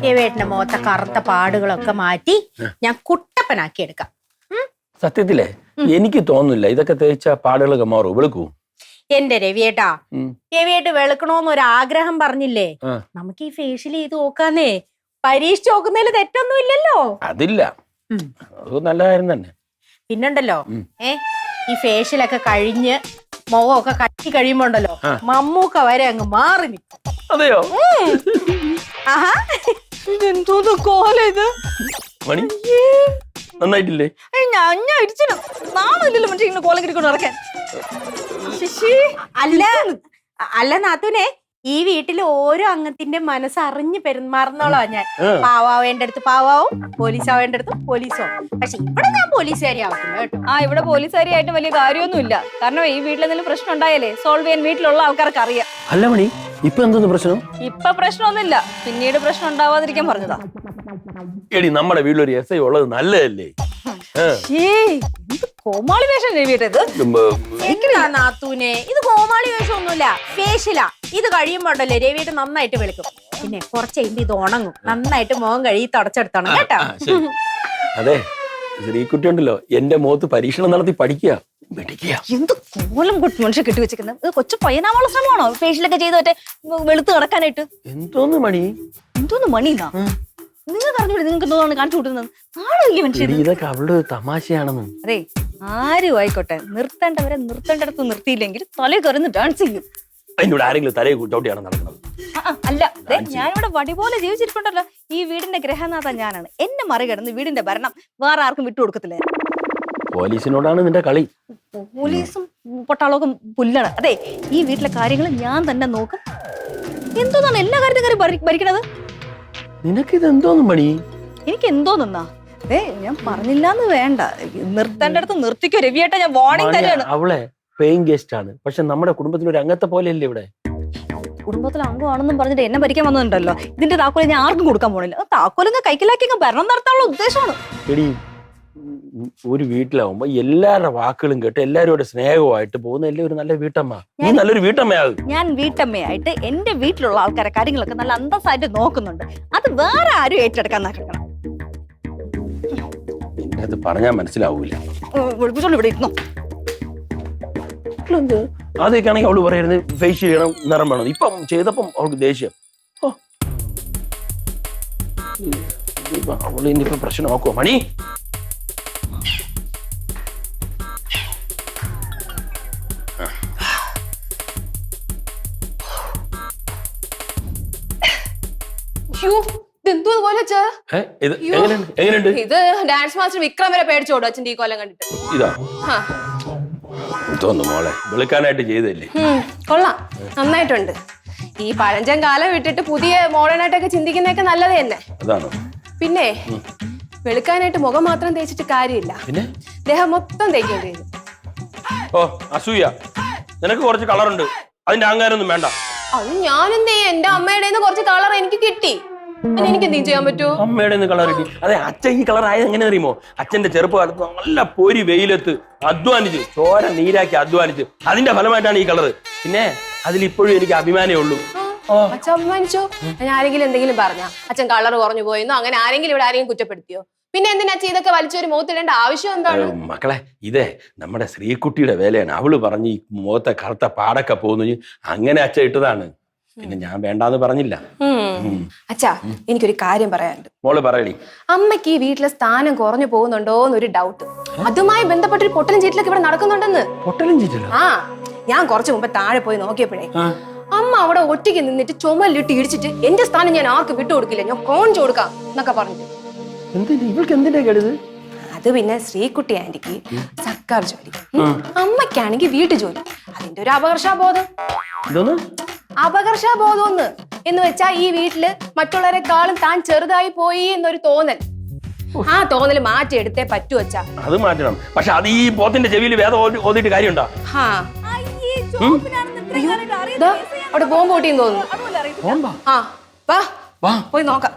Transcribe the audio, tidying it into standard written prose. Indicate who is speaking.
Speaker 1: രവിയേട്ടന്റെ മുഖത്തെ കറുത്ത പാടുകളൊക്കെ മാറ്റി ഞാൻ കുട്ടപ്പനാക്കി എടുക്കാം.
Speaker 2: സത്യത്തിലേ എനിക്ക് തോന്നുന്നില്ല ഇതൊക്കെ തേച്ച പാടുകളൊക്കെ മാറും, വെളുക്കൂ.
Speaker 1: എന്റെ രവിയേട്ടാ, രവിയേട്ട് വെളുക്കണോന്ന് ഒരു ആഗ്രഹം പറഞ്ഞില്ലേ, നമുക്ക് ഈ ഫേഷ്യൽ ചെയ്ത് നോക്കാന്നേ. പരീക്ഷിച്ച് നോക്കുന്നതിൽ തെറ്റൊന്നും ഇല്ലല്ലോ.
Speaker 2: അതില്ല, അത് നല്ല കാര്യം തന്നെ.
Speaker 1: പിന്നുണ്ടല്ലോ ഈ ഫേഷ്യലൊക്കെ കഴിഞ്ഞ് മുഖമൊക്കെ കട്ടി കഴിയുമ്പോണ്ടല്ലോ മമ്മൂക്ക വരെ അങ്ങ് മാറി നിൽക്കും.
Speaker 2: അതെയോ?
Speaker 1: ആഹാ, എന്തോന്ന് കോല ഇത്
Speaker 2: മണി, നന്നായിട്ടില്ലേ?
Speaker 3: ഞാൻ ഇടിച്ചില്ല, നാളല്ലോ മറ്റേ ഇങ്ങനെ കോലം കിട്ടിക്കൊണ്ട് നടക്കാൻ.
Speaker 1: അല്ല നാത്തൂനെ, ഈ വീട്ടിൽ ഓരോ അംഗത്തിന്റെ മനസ്സറിഞ്ഞ് പെരുമാറുന്നോളാ ഞാൻ. പാവാവേണ്ട അടുത്ത് പാവാവും, പോലീസാവേണ്ട അടുത്ത് പോലീസോ. പക്ഷെ ഇവിടെ ഞാൻ പോലീസുകാരി ആവത്തില്ല കേട്ടോ.
Speaker 3: ഇവിടെ പോലീസുകാരിയായിട്ട് വലിയ കാര്യമൊന്നുമില്ല. കാരണം ഈ വീട്ടിലെന്തെങ്കിലും പ്രശ്നം ഉണ്ടായാലേ സോൾവ് ചെയ്യാൻ വീട്ടിലുള്ള ആൾക്കാർക്ക് അറിയാം.
Speaker 2: അല്ല മണി, ഇപ്പൊ എന്തോന്ന് പ്രശ്നം?
Speaker 3: ഇപ്പൊ പ്രശ്നമൊന്നുമില്ല, പിന്നീട് പ്രശ്നം ഉണ്ടാവാതിരിക്കാൻ പറഞ്ഞതാ.
Speaker 2: എടി, നമ്മുടെ വീട്ടിലൊരു SI ഉള്ളത് നല്ലതല്ലേ?
Speaker 3: കോമാളി വേഷം രവിയേട്ടത്.
Speaker 1: നാത്തൂനെ, ഇത് കോമാളി വേഷം ഒന്നുമില്ല, ഫേഷ്യലാ. ഇത് കഴിയുമ്പോണ്ടല്ലേ രവിയേട്ട് നന്നായിട്ട് വെളുക്കും. പിന്നെ കുറച്ച് കഴിയുമ്പോ ഇത് ഉണങ്ങും, നന്നായിട്ട് മുഖം കഴുകി തുടച്ചെടുത്തോണം കേട്ടോ.
Speaker 2: അതെ, ശ്രീകുട്ടി ഉണ്ടല്ലോ എന്റെ മുഖത്ത് പരീക്ഷണം നടത്തി പഠിക്കുക.
Speaker 3: എന്ത് കോലം മനുഷ്യ കെട്ടി വെച്ചിരിക്കുന്നത്. കൊച്ചു പയ്യനാവാനുള്ള ശ്രമമാണോ ഫേഷ്യലൊക്കെ ചെയ്ത് മറ്റേ വെളുത്ത് കിടക്കാനായിട്ട്?
Speaker 2: എന്തോന്ന് മണി,
Speaker 3: എന്തോന്ന് മണിന്നാ നിങ്ങൾക്ക് അറിഞ്ഞൂടെ? നിങ്ങൾക്ക് എന്തോന്നാണ് കാണിച്ചു കൂട്ടുന്നത്? നാളെ മനുഷ്യൻ
Speaker 2: ഇതൊക്കെ അവളുടെ തമാശയാണെന്ന്.
Speaker 3: അതെ, ആരും ആയിക്കോട്ടെ, നിർത്തേണ്ടവരെ നിർത്തേണ്ടടുത്ത് നിർത്തിയില്ലെങ്കിൽ തലേ കയറുന്ന ഡാൻസ് ചെയ്യും.
Speaker 2: അതിനോട് ആരെങ്കിലും തലയെ ചവിട്ടിയാണ് നടക്കുന്നത്?
Speaker 3: അല്ല, ഞാനിവിടെ വടി പോലെ ജീവിച്ചിരിപ്പുണ്ടല്ലോ. ഈ വീടിന്റെ ഗ്രഹനാഥ ഞാനാണ്. എന്നെ മറികടന്ന് വീടിന്റെ ഭരണം വേറെ ആർക്കും വിട്ടുകൊടുക്കത്തില്ല.
Speaker 2: പോലീസിനോടാണ് നിന്റെ കളി.
Speaker 3: പോലീസും പൊട്ടാളൊക്കെ പുല്ലാണ്. അതെ, ഈ വീട്ടിലെ കാര്യങ്ങൾ ഞാൻ തന്നെ നോക്കും. എന്തോന്നാണ് എല്ലാ കാര്യത്തിനും ഭരിക്കണത്?
Speaker 2: നിനക്കിത് എന്തോന്നും പണി?
Speaker 3: എനിക്ക് എന്തോന്നാ? അതെ, ഞാൻ പറഞ്ഞില്ലാന്ന് വേണ്ട, നിർത്തേണ്ടടുത്ത് നിർത്തിക്കോ രവിയേട്ട. ഞാൻ വാർണിംഗ് തന്നെയാണ്.
Speaker 2: അവളെ പേയിങ് ഗസ്റ്റ് ആണ്, പക്ഷെ നമ്മുടെ കുടുംബത്തിൽ ഒരു അംഗത്തെ പോലെയല്ലേ ഇവിടെ.
Speaker 3: കുടുംബത്തിലെ അംഗമാണെന്നും പറഞ്ഞിട്ട് എന്നെ ഭരിക്കാൻ വന്നിട്ടുണ്ടല്ലോ. ഇതിന്റെ താക്കോല് ഞാൻ ആർക്കും കൊടുക്കാൻ പോണില്ല. താക്കോലിങ്ങ് കൈക്കലാക്കി ഭരണം നടത്താനുള്ള ഉദ്ദേശമാണ്.
Speaker 2: എടി, ഒരു വീട്ടിലാവുമ്പോ എല്ലാവരുടെ വാക്കുകളും കേട്ട് എല്ലാവരോട് സ്നേഹമായിട്ട് പോകുന്ന ഒരു നല്ല വീട്ടമ്മ. നീ നല്ലൊരു വീട്ടമ്മയാകും.
Speaker 3: ഞാൻ വീട്ടമ്മയായിട്ട് എന്റെ വീട്ടിലുള്ള ആൾക്കാരെ കാര്യങ്ങളൊക്കെ നല്ല അന്തസ്സായിട്ട് നോക്കുന്നുണ്ട്. അത് വേറെ ആരും ഏറ്റെടുക്കാൻ നടക്കണം.
Speaker 2: അത് പറഞ്ഞാൽ മനസ്സിലാവൂല.
Speaker 3: ഇവിടെ ഇരുന്നോ.
Speaker 2: അതൊക്കെയാണെങ്കിൽ അവള് പറയുന്നത് ഫേഷ്യൽ ചെയ്യണം, നിറം വേണം. ഇപ്പം ചെയ്തപ്പം അവൾക്ക് ദേഷ്യം. അവള് ഇനിയിപ്പോ പ്രശ്നം നോക്കുവോ മണി?
Speaker 4: ഇത് ഡാൻസ് മാസ്റ്റർ വിക്രം വരെ പേടിച്ചോടും അച്ഛൻ്റെ ഈ കൊല്ലം കണ്ടിട്ട്.
Speaker 2: ഇതാ തോന്നുന്നു മോളെ, വെളുക്കാനായിട്ട് ചെയ്തല്ലേ?
Speaker 4: കൊള്ളാം, നന്നായിട്ടുണ്ട്. ഈ പഴഞ്ചൻ കാലം വിട്ടിട്ട് പുതിയ മോഡേൺ ആയിട്ടൊക്കെ ചിന്തിക്കുന്നതൊക്കെ നല്ലത് തന്നെ. പിന്നെ വെളുക്കാനായിട്ട് മുഖം മാത്രം തേച്ചിട്ട് കാര്യമില്ല, ദേഹം മൊത്തം തേക്കേണ്ടി വരും.
Speaker 2: ഓ അസൂയ, നിനക്ക് കുറച്ച് കളറുണ്ട്, അതിന്റെ അഹങ്കാരൊന്നും വേണ്ട.
Speaker 4: അത് ഞാനെന്തേ, എന്റെ അമ്മയുടെ കുറച്ച് കളർ എനിക്ക് കിട്ടി, എനിക്ക് എന്തെങ്കിലും ചെയ്യാൻ പറ്റുമോ?
Speaker 2: അമ്മയുടെ കളർ കിട്ടി. അതെ, അച്ഛൻ ഈ കളർ ആയത് എങ്ങനെ അറിയുമോ? അച്ഛന്റെ ചെറുപ്പകാലത്ത് നല്ല പൊരി വെയിലത്ത് അധ്വാനിച്ച് ചോര നീരാക്കി അധ്വാനിച്ച് അതിന്റെ ഫലമായിട്ടാണ് ഈ കളർ. പിന്നെ അതിലിപ്പോഴും എനിക്ക് അഭിമാനമേ ഉള്ളൂ.
Speaker 4: അച്ഛൻ അഭിമാനിച്ചോ? ഞാൻ ആരെങ്കിലും എന്തെങ്കിലും പറഞ്ഞ അച്ഛൻ കളർ കുറഞ്ഞു പോയെന്നോ അങ്ങനെ ആരെങ്കിലും ഇവിടെ ആരെങ്കിലും കുറ്റപ്പെടുത്തിയോ? പിന്നെ എന്തിനാ ഇതൊക്കെ വലിച്ചൊരു മുഖത്തിടേണ്ട ആവശ്യം എന്താണ്?
Speaker 2: മക്കളെ, ഇതേ നമ്മുടെ ശ്രീകുട്ടിയുടെ വേലയാണ്. അവള് പറഞ്ഞ് ഈ മുഖത്തെ കറുത്ത പാടൊക്കെ പോകുന്നു, അങ്ങനെ അച്ഛൻ ഇട്ടതാണ്. പിന്നെ ഞാൻ വേണ്ടാന്ന് പറഞ്ഞില്ല.
Speaker 4: അച്ഛാ, എനിക്കൊരു കാര്യം പറയാനുണ്ട്.
Speaker 2: മോള് പറയടി.
Speaker 4: അമ്മയ്ക്ക് ഈ വീട്ടിലെ സ്ഥാനം കുറഞ്ഞു പോകുന്നുണ്ടോ എന്നൊരു ഡൗട്ട്. അതുമായി ബന്ധപ്പെട്ടൊരു പൊട്ടലും ചീറ്റിലൊക്കെ ഇവിടെ നടക്കുന്നുണ്ടെന്ന്.
Speaker 2: പൊട്ടലും ചീറ്റിലോ?
Speaker 4: ആ, ഞാൻ കുറച്ചു മുമ്പ് താഴെ പോയി നോക്കിയപ്പോഴേ അമ്മ അവിടെ ഒറ്റയ്ക്ക് നിന്നിട്ട് ചുമലിട്ട് ഇടിച്ചിട്ട് എന്റെ സ്ഥാനം ഞാൻ ആർക്കും വിട്ടുകൊടുക്കില്ല, ഞാൻ കോണിച്ചു കൊടുക്കാം എന്നൊക്കെ പറഞ്ഞിട്ട്. അത് പിന്നെ ശ്രീകുട്ടി ആന്റിക്ക് സർക്കാർ ജോലി, അമ്മയ്ക്കാണെങ്കിൽ വീട്ടു ജോലി. അതിന്റെ ഒരു അപകർഷാബോധം. അപകർഷാബോധം എന്ന് വെച്ചാ ഈ വീട്ടില് മറ്റുള്ളവരെക്കാളും താൻ ചെറുതായി പോയി എന്നൊരു തോന്നൽ. ആ തോന്നൽ മാറ്റിയെടുത്തേ പറ്റൂ അച്ഛാ.
Speaker 2: അത് മാറ്റണം. പക്ഷെ അത് ഈ പോത്തിന്റെ ചെവിയിൽ വേദം ഓതിയിട്ട് കാര്യമുണ്ടോ?
Speaker 4: അവിടെ ബോംബ് പൊട്ടിയെന്ന് തോന്നുന്നു. ആ, വാ പോയി നോക്കാം.